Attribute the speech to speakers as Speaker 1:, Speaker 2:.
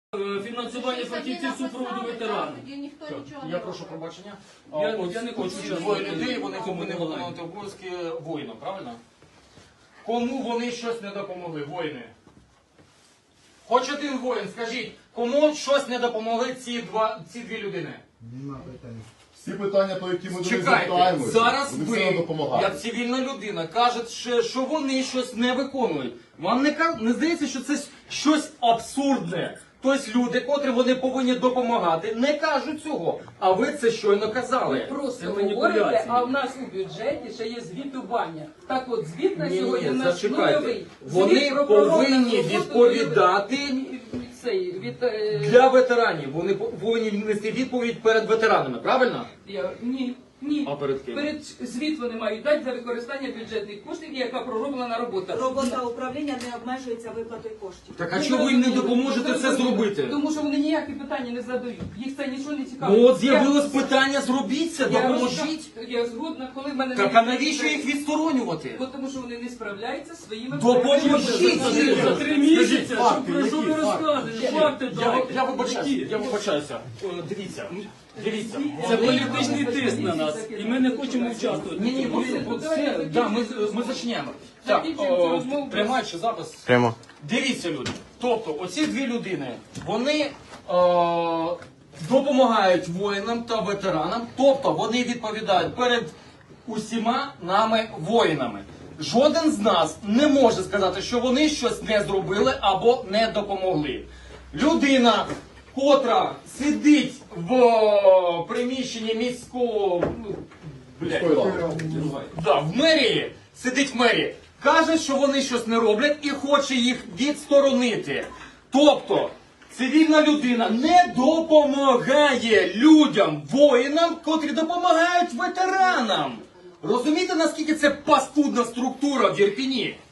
Speaker 1: Фінансування фахівців супроводу ветеранів.
Speaker 2: Я прошу пробачення.
Speaker 1: Я не хочу
Speaker 2: ці двоє людей, вони повинні виконувати обов'язки воїна, правильно? Кому вони щось не допомогли, воїни? Хоч один воїн, скажіть, кому щось не допомогли ці дві людини?
Speaker 3: Всі питання, по які ми до них
Speaker 2: Чекайте,
Speaker 3: звертаємося,
Speaker 2: зараз
Speaker 3: вони все
Speaker 2: ви,
Speaker 3: допомагають.
Speaker 2: як цивільна людина, кажете, що вони щось не виконують. Вам не здається, що це щось абсурдне? Тобто люди, котрі вони повинні допомагати, не кажуть цього. А ви це щойно казали.
Speaker 4: Просто
Speaker 1: Це
Speaker 4: говорите,
Speaker 1: маніпуляції.
Speaker 4: а в нас у бюджеті ще є звітування. Так от, звіт на
Speaker 2: Ні,
Speaker 4: сьогодні у нас
Speaker 2: зачекайте.
Speaker 4: нульовий.
Speaker 2: Вони
Speaker 4: Звіт про пророблення
Speaker 2: повинні
Speaker 4: роботи
Speaker 2: відповідати
Speaker 4: від
Speaker 2: для ветеранів. Вони повинні нести відповідь перед ветеранами, правильно?
Speaker 4: Ні.
Speaker 2: А перед ким?
Speaker 4: Перед звіт вони мають дати за використання бюджетних коштів, яка пророблена робота.
Speaker 5: Робота управління не обмежується виплатою коштів.
Speaker 2: Так а чого ви їм не допоможете це зробити?
Speaker 4: Тому що вони ніякі питання не задають. Їх це нічого не цікавить.
Speaker 2: Ну от з'явилось питання, зробіть це, допоможіть.
Speaker 4: Я згодна, коли в мене...
Speaker 2: Так а навіщо їх відсторонювати?
Speaker 4: Тому що вони не справляються зі своїми...
Speaker 2: Допоможіть!
Speaker 1: За 3 місяці,
Speaker 3: факти,
Speaker 1: про що ви
Speaker 3: які
Speaker 1: розказуєте? Факти давайте.
Speaker 2: Я вибачаюся. Дивіться.
Speaker 1: Це політичний тиск на нас, і ми не хочемо участвувати.
Speaker 2: Ні, ми зачнемо. Так, приймаючи запис.
Speaker 6: Прямо.
Speaker 2: Дивіться, люди. Тобто, оці дві людини, вони допомагають воїнам та ветеранам, тобто вони відповідають перед усіма нами воїнами. Жоден з нас не може сказати, що вони щось не зробили або не допомогли. Людина, котра сидить в приміщенні міського... в мерії, сидить в мерії, каже, що вони щось не роблять і хоче їх відсторонити. Тобто, цивільна людина не допомагає людям, воїнам, котрі допомагають ветеранам. Розумієте, наскільки це паскудна структура в Ірпіні?